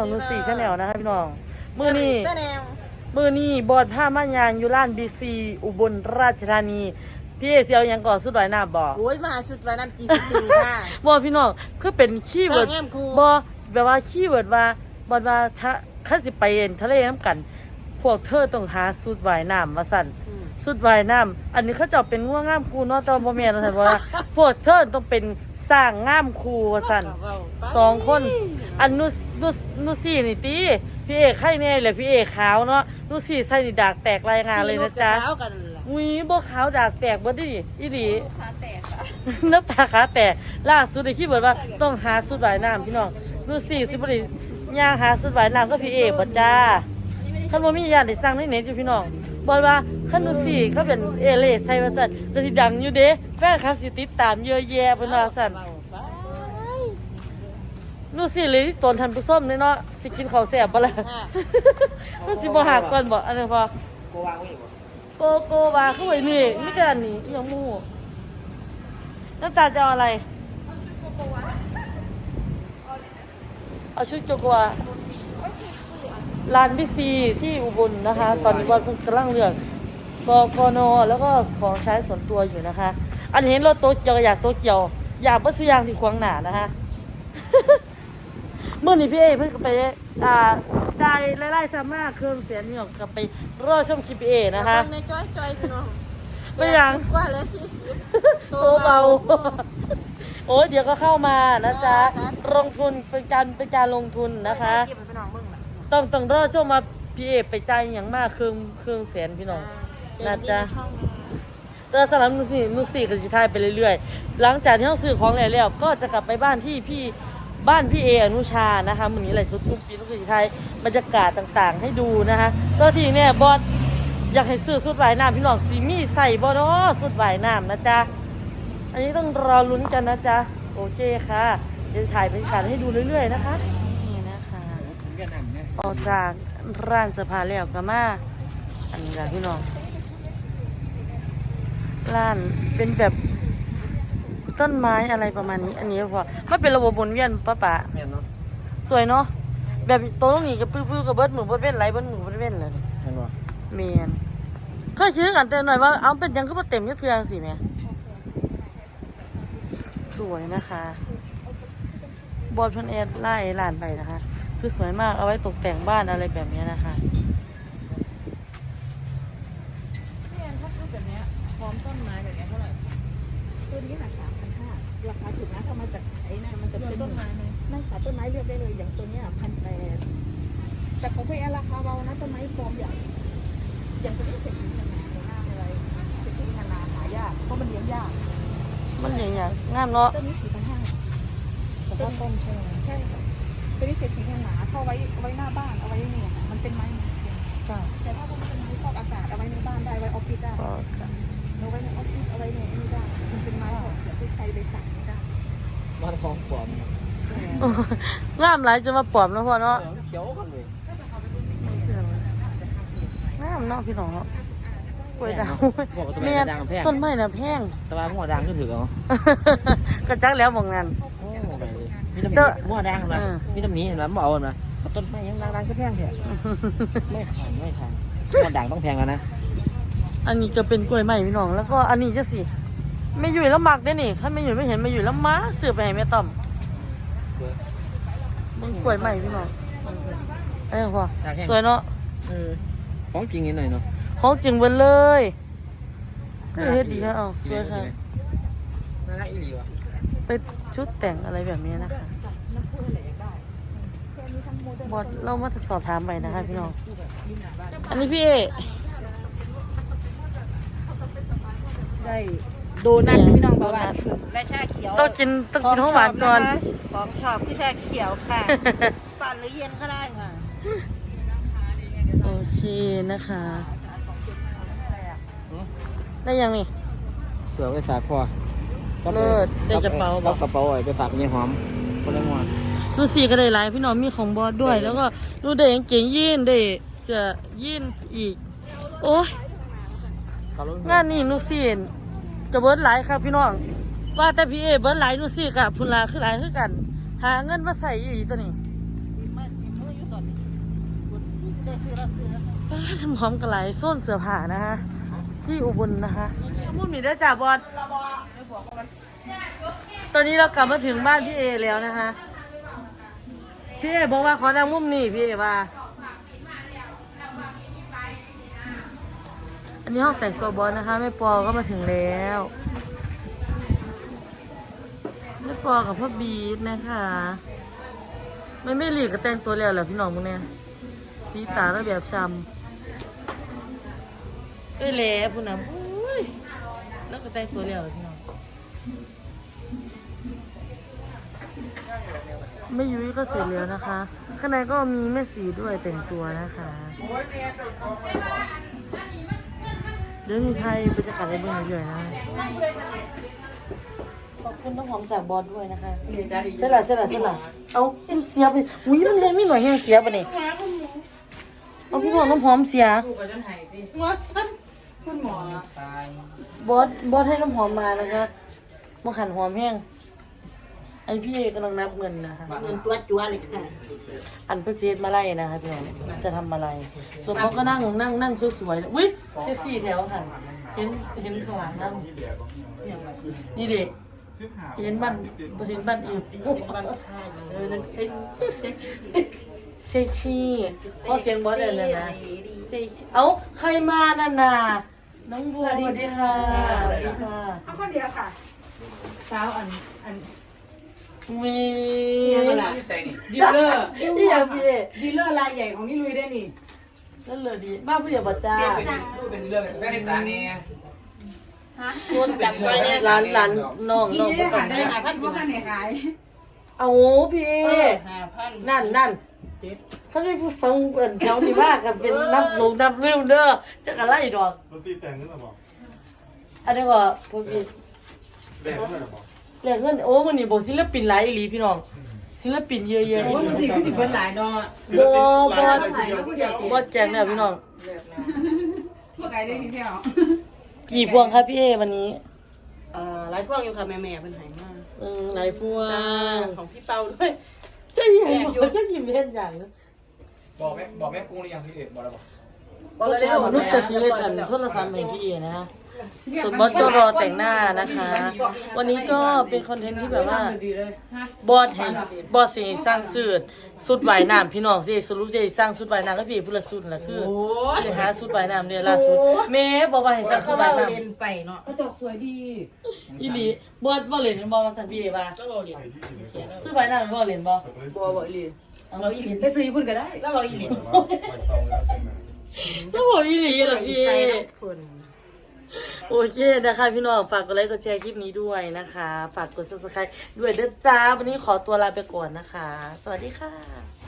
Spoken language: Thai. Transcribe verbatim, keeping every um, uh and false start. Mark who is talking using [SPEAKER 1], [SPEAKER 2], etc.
[SPEAKER 1] องนูซี่ชาแนลนะคะพี่น้องมือนี้มือนี้บอดผ้ามายางอยู่ร้านบีซีอุบลราชธานีพี่เอเซียวยังก่อสุดไหวหน้าบอก
[SPEAKER 2] โอ้ยมาชุดวันน้ำจีซีค่ะ
[SPEAKER 1] บอพี่น้องคือเป็นขี้เวิร์ดบอแบบว่าขี้เวิร์ดว่าบอดว่าถ้าข้าสิไปเอ็นทะเลน้ำกันพวกเธอต้องหาสุดไหวน้ำมาสั่นสุดวายน้ำอันนี้เขาจะเป็นง่วงง่ามครูเนาะแต่พ่อแม่เราใช่ว่าพวกเธอต้องเป็นสร้างง่ามครูว่าสั่นสองคนอันนุสนุสนุซี่นี่ตีพี่เอกไข่แน่เลยพี่เอกขาวเนาะนุซี่ใส่ดิดากแตกรายงานเลยนะจ๊ะอุ้ยบ่ขาวดากแตกบ่ดิอีหลีขาแตกค่ะน้ำตาขาแตกล่าสุดได้คิดว่าต้องหาสุดวายน้ำพี่น้องนุซี่สิบ่ได้ย่างหาสุดวายน้ำก็พี่เอกบ่จ้าคันบ่มีญาติได้สั่งในเน็ตอยู่พี่น้องบอกว่าคันนูซี่เขาเป็นเอเล่ใส่ว่าสั่นก็สิดังอยู่เด้แฟนคลับสิติดตามเยอะแยะเพิ่นว่าสั่นนูซี่เลยที่ตนทันผู้ส้มเนาะสิกินข้าวแซ่บบ่ล่ะมันสิบ่หักก่อนบ่อันนี้พอโกวางไว้บ่โกโกวางเข้าไว้นี่มีแต่อันนี้ยังหมู่น้ำตาจะเอาอะไรเอาชุดโกโกวาลานบิ๊กซีที่อุบลนะคะตอนนี้บอลกำลังเลือกกกนแล้วก็ของใช้ส่วนตัวอยู่นะคะอันเห็นรถโตเกียวอยากโตเกียวอยากเพื่อซื้อยางที่ควงหนานะคะ เมื่อนี้พี่เอเพิ่งไปอ่าจ่ายไล่ๆซ้ำมากเครื่องเสียงนี่ออกกับไปรอชมคลิปพี่เอนะคะในจ้อยจ้อยพี่น้องไม่ยังกว่าแล้วที่โตเบาโอ้ยเดี๋ยวก็เข้ามานะจ๊ะลงทุนเป็นการเป็นการลงทุนนะคะต้องต้องรอช่วงมาพี่เอไปใจอย่างมากเครื่องเครื่องแสนพี่น้องนะจ๊ะแต่สำหรับนุซี่นุซี่ก็จะทายไปเรื่อยๆหลังจากที่เราซื้อของแล้วแล้วก็จะกลับไปบ้านที่พี่บ้านพี่เออนุชานะคะมื้อนี้อะไรทุกทุกปีนุซี่จะทายบรรยากาศต่างๆให้ดูนะคะก็ที่เนี่ยบอสอยากให้ซื้อสุดว่ายน้ำพี่น้องซีมี่ใส่บอสเนาะสุดว่ายน้ำนะจ๊ะอันนี้ต้องรอลุ้นกันนะจ๊ะโอเคค่ะจะถ่ายบรรยากาศให้ดูเรื่อยๆนะคะออกจากร้านเสื้อผ้าแล้วก็มาอันนี้แหละพี่น้องร้านเป็นแบบต้นไม้อะไรประมาณนี้อันนี้พอไม่เป็นระบบวนเวียนป้าป๋าสวยเนาะแบบโต๊ะตรงนี้กับปื้อๆกับเบิร์ดหมูเบิร์ดเว้นไรเบิร์ดหมูเบิร์ดเว้นเลยเมียนเคยชื่อกันแต่หน่อยว่าเอาเป็นยังก็มาเต็มยัดเทืองสิแม่สวยนะคะบอลพันเอ็ดไล่ร้านไปนะคะคือสวยมากเอาไว้ตกแต่งบ้านอะไรแบบนี้นะคะพี่แอนถ้าพูดแบบนี้พร้อมต้นไม้แบบนี้เท่าไหร่ต้นนี้หาสามพันห้าราคาถูกนะถ้ามาจากไอ้นั่นมันจะเป็นต้นไม้ไม่ค่ะต้นไม้เลือกได้เลยอย่างตัวนี้พันแปดแต่ของพี่แอนราคาเบานะต้นไม้ฟอร์มใหญ่อย่างตัวนี้เศรษฐีขนาดหน้าอะไรเศรษฐีขนาดหายากเพราะมันเลี้ยงยากมันเลี้ยงยากงามเนาะต้นนี้สี่พันห้าแต่ว่าต้นใช่ไหมใช่ค่ะตัวนี้เศรษฐีขนาดเข้าไว้ไว้หน้าบ้านเอาไว้เนี่ยมันเป็นไม้แต่ถ้าพวกมันเป็นไม้ฟอกอากาศเอาไว้ในบ้านได้ไว้ออฟฟิศได้เอาไว้ในออฟฟิศเอาไว้ในนี่ได้มันเป็นไม้ของเดี๋ยวไปใช้ไปสั่งไม่ได้บ้านของปลอมงามหลายจะมาปลอมแล้วพ่อเนาะเขียวกันเลยงามเนาะพี่น้องเนาะกล้วยดาวเมียต้นไม้น่ะแพงแต่ว่าหัวดังก็ถือเอากระจักแล้วมองงานมีตำหนิหัวดังนะมีตำหนิเห็นไหมบอกนะต้นไม้ยังดังๆก็แพงแท้ไม่ขายไม่ขายหัวดังต้องแพงแล้วนะอันนี้ก็เป็นกล้วยไม้พี่น้องแล้วก็อันนี้จะสิไม่อยู่แล้วหมักได้นี่ถ้าไม่อยู่ไม่เห็นไม่อยู่แล้วม้าเสือไปให้แม่ต้อมมึงกล้วยไม้พี่น้องเอ้ยพ่อสวยเนาะของจริงนิดหน่อยเนาะของจริงเบิ้ลเลยก็เฮ็ดดีนะเอาสวยค่ะน่ารักอีหลีว่ะไปชุดแต่งอะไรแบบนี้นะคะบอสเรามาสอบถามไปนะคะพี่น้องอันนี้พี่เอใช่โดนัทพี่น้องบอกว่าและชาเขียวต้องกินต้องกินของหวานก่อนของชอบคือชาเขียวค่ะปั่นหรือเย็นก็ได้ค่ะโอเคนะคะได้ยังนี่เสือไปฝากพ่อเลิศได้กระเป๋าบอกกระเป๋าไว้ไปฝากยี่หอมคนละหมดดูสีก็ได้หลายพี่น้องมีของบอสด้วยแล้วก็ดูได้กางเกงยีนได้เสื้อยีนอีกโอ้ยงานนี้นูสีจะเบิร์ดหลายครับพี่น้องว่าแต่พี่เอเบิร์ดหลายนูสีกับพุนลาคือหลายคือกันหาเงินมาใส่อีกตัวนี้ป้าทำพร้อมกันหลายโซนเสื้อผ้านะคะที่อุบลนะคะมุ่นมีได้จ่าบอลตอนนี้เรากลับมาถึงบ้านพี่เอแล้วนะคะพี่เอบอกว่าขอนั่งมุมนี่พี่เอว่าอันนี้ห้องแต่งตัวบอลนะคะแม่ปอก็มาถึงแล้วแม่ปอกับพ่อบีทนะคะไม่ไม่หลีกก็แต่งตัวแล้วแหละพี่น้องพวกเนี้ยสีตาแล้วแบบช้ำเอ้ยแหล่พูดนะอุ้ยแล้วก็แต่งตัวแล้วพี่น้องแม่ยุ้ยก็เสร็จแล้วนะคะข้างในก็มีแม่สีด้วยแต่งตัวนะคะเดี๋ยวมีไทยบรรยากาศในเมืองเยอะๆนะขอบคุณน้ำหอมจากบอสด้วยนะคะเสร็จละเสร็จละเสร็จละเอาเป็นเสียไปอุ้ยมันยังไม่หน่อยแห้งเสียปะเนี่ยเอาพี่บอกน้ำหอมเสียบอสบอสบอสให้น้ำหอมมานะคะมาขันหอมแห้งไอพี่กำลังนับเงินนะคะ
[SPEAKER 2] เงินตัวจัวเลยค่ะ
[SPEAKER 1] อันเพื่อเจดมาไล่นะคะพี่น้องจะทำอะไรส่วนเขาก็นั่งนั่งนั่งสวยๆอุ้ยเซ็กซี่แถวค่ะเห็นเห็นข้างหลังนั่งนี่เด็กเห็นบ้านเห็นบ้านอื่น
[SPEAKER 2] เออนั่นเป็น
[SPEAKER 1] เซ็กซี่เพราะเสียงบอสเลยนะเซ็กซี่เอ้าใครมาน่ะน่ะน้องบัวสวัสดีค่ะสวัสดีค่ะ
[SPEAKER 3] เอาคนเดียวค่ะ
[SPEAKER 2] เช้าอันอัน
[SPEAKER 1] มี
[SPEAKER 2] ดีลเลอร์
[SPEAKER 1] ที่อยากพี่
[SPEAKER 2] ดีลเลอร์รายใหญ่ของนี่ลุยได้นี่
[SPEAKER 1] นั่นเลยดีบ้านผู้ใหญ่บัจจ้า
[SPEAKER 4] เป็นเรื่องแม่ในตาเนี่ย
[SPEAKER 2] โดนจับไว้เนี่ย
[SPEAKER 1] ร้านร้านน้องน้อง
[SPEAKER 3] ได้
[SPEAKER 1] บ่ต้อ
[SPEAKER 3] ค่ะ
[SPEAKER 1] ง
[SPEAKER 3] ได้ค่ะพันพวกกันเนี่ยขาย
[SPEAKER 1] เอาพี่
[SPEAKER 2] ห้าพัน
[SPEAKER 1] นั่นนั่นเขาได้ผู้ทรงเปิ่นแถวที่ว่ากันเป็นนับลงนับเร็วเด้อจะกันไล่ดอก
[SPEAKER 5] รถซีแต่งขึ้นมาบอก
[SPEAKER 1] อันนี้ว่าพวกพี่
[SPEAKER 5] แดงขึ้นมาบอก
[SPEAKER 1] เรียกเงินโอ้มันนี่บอกศิลปินหลายอีหลีพี่น้องศิลปินเยอะแยะ
[SPEAKER 2] โอ้ยมันสิคือสิเพิ่นหลายเนาะ
[SPEAKER 1] บอบอ
[SPEAKER 2] หลายมาผู้เดียว
[SPEAKER 1] บอแจงเนี่ยพี่น้อง
[SPEAKER 3] พวกไก่ได้ทีเดียว
[SPEAKER 1] กี่พวงครับพี่เอวันนี้
[SPEAKER 2] เอ่อหลายพวกอยู่ค่ะแม่แม่เพิ่นให้มา
[SPEAKER 1] เออหลายพวง
[SPEAKER 2] ของพี่เปาด้วย
[SPEAKER 1] จะยิ้มอยู่จะยิ้มเห็นอย่าง
[SPEAKER 4] บอกแม่บอกแม่กุ้งหรือยังพี่เอกบอกแล้วบอก
[SPEAKER 2] บอกเลยเด้อ
[SPEAKER 1] นุชจะซื้ออันโทรศัพท์ให้พี่เอนะฮะส่วนบอสก็รอแต่งหน้านะคะ วันนี้ก็เป็นคอนเทนต์ที่แบบว่า
[SPEAKER 2] ดีเลย
[SPEAKER 1] บอสให้บอสสิสร้างสูตรสุดว่ายน้ำพี่น้องสิสรุปจะสร้างสุดว่ายน้ำแล้วพี่พูดละสุดละคือสิหาสุดว่ายน้ำเนี่ยล่าสุดแม่บอกว่าให้สร้างสุดว่ายน้ำ
[SPEAKER 2] ไปเนาะก็จอกสวยดี
[SPEAKER 1] อีหลีบอสบ่เล่นบอสมาสั่นพี่เอว่าสุดว่ายน้ำบ่เล่นบ่
[SPEAKER 2] บ่บ่อีหลี
[SPEAKER 1] เอาอีหลี
[SPEAKER 2] ไปซื้อญี่ปุ่นก็ได้แล้วบ่อีหลี
[SPEAKER 1] ต้องบอกอีหลีเหรอพี่
[SPEAKER 2] ใส่ฝน
[SPEAKER 1] โอเคนะคะพี่น้องฝากกดไลค์กดแชร์คลิปนี้ด้วยนะคะ ฝากกด ซับสไครบ์ ด้วยเด้อจ้าวันนี้ขอตัวลาไปก่อนนะคะ สวัสดีค่ะ